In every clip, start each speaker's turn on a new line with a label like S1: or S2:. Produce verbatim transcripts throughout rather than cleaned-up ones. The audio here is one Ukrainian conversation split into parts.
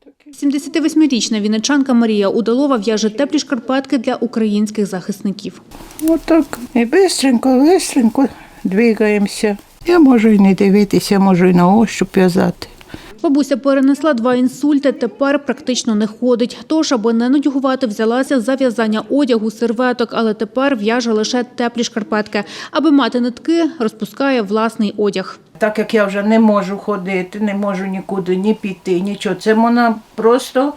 S1: сімдесятивосьмирічна вінничанка Марія Удалова в'яже теплі шкарпетки для українських захисників.
S2: Отак. І бистренько, бистренько двигаємося. Я можу і не дивитися, можу і на ощуп в'язати.
S1: Бабуся перенесла два інсульти, тепер практично не ходить. Тож, аби не нудьгувати, взялася за в'язання одягу, серветок, але тепер в'яже лише теплі шкарпетки. Аби мати нитки, розпускає власний одяг.
S2: Так як я вже не можу ходити, не можу нікуди ні піти, нічого, це можна просто,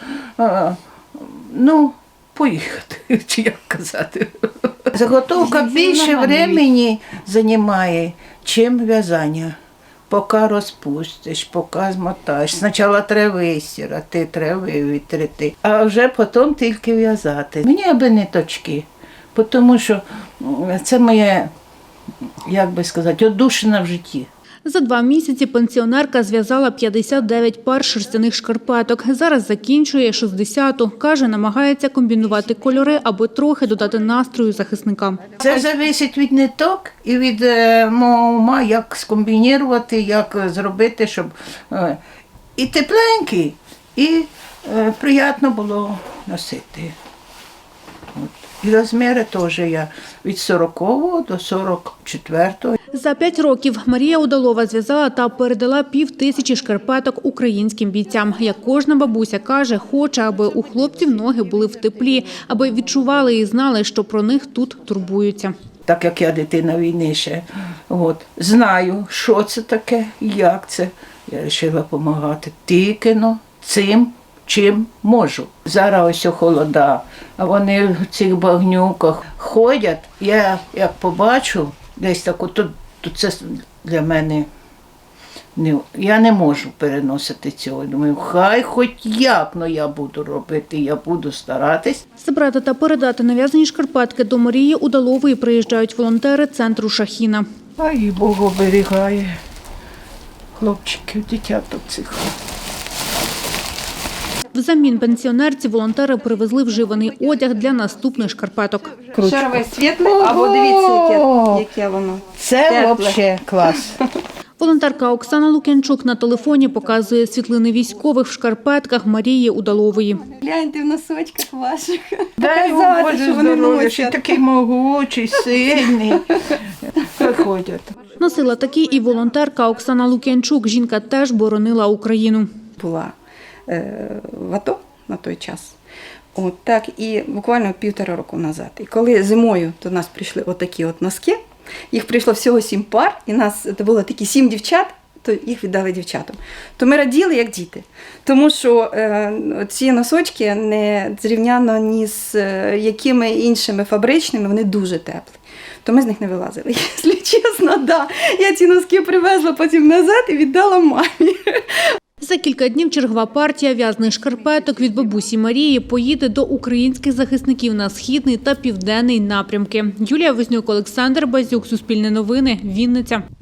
S2: ну, поїхати, чи як казати. Заготовка більше времени займає, чим в'язання. Поки розпустиш, поки змотаєш. Спочатку треба вистирати, треба витрити, а вже потім тільки в'язати. Мені аби ниточки, тому що це моє, як би сказати, одушина в житті.
S1: За два місяці пенсіонерка зв'язала п'ятдесят дев'ять пар шерстяних шкарпеток. Зараз закінчує шістдесяту. Каже, намагається комбінувати кольори, аби трохи додати настрою захисникам.
S2: Це залежить від ниток і від е, мого ума, як скомбінувати, як зробити, щоб е, і тепленький, і е, приємно було носити. От. І розміри теж я від сорокового до сорок четвертого.
S1: За п'ять років Марія Удалова зв'язала та передала пів тисячі шкарпеток українським бійцям. Як кожна бабуся каже, хоче, аби у хлопців ноги були в теплі, аби відчували і знали, що про них тут турбуються.
S2: Так як я дитина війни ще, от, знаю, що це таке, як це. Я вирішила допомагати тільки но цим, чим можу. Зараз ось холода, а вони в цих багнюках ходять. Я як побачу, десь так, тут, тут це для мене, не, я не можу переносити цього. Думаю, хай хоч як, но я буду робити, я буду старатись.
S1: Забрати та передати нав'язані шкарпетки до Марії Удалової приїжджають волонтери центру «Шахіна».
S2: А і Бог оберігає хлопчиків, дитяток цих.
S1: Взамін пенсіонерці волонтери привезли вживаний одяг для наступних шкарпеток.
S3: Шарове світле, або дивіться, яке, яке воно.
S2: Це взагалі клас.
S1: Волонтерка Оксана Лук'янчук на телефоні показує світлини військових в шкарпетках Марії Удалової.
S3: Гляньте в носочках ваших.
S2: Дай
S3: Показати,
S2: Боже
S3: що вони
S2: здоров'я, що
S3: носять.
S2: такий могучий, сильний. Приходять.
S1: Носила такі і волонтерка Оксана Лук'янчук. Жінка теж боронила Україну.
S3: Була е, в АТО на той час. От так, і буквально півтора року назад. І коли зимою до нас прийшли отакі от носки, їх прийшло всього сім пар, і нас це було такі сім дівчат, то їх віддали дівчатам. То ми раділи, як діти. Тому що е, ці носочки не зрівняно ні з е, якими іншими фабричними, вони дуже теплі. То ми з них не вилазили, якщо чесно, да. Я ці носки привезла потім назад і віддала мамі.
S1: За кілька днів чергова партія в'язаних шкарпеток від бабусі Марії поїде до українських захисників на Східний та Південний напрямки. Юлія Вознюк, Олександр Базюк, Суспільне новини, Вінниця.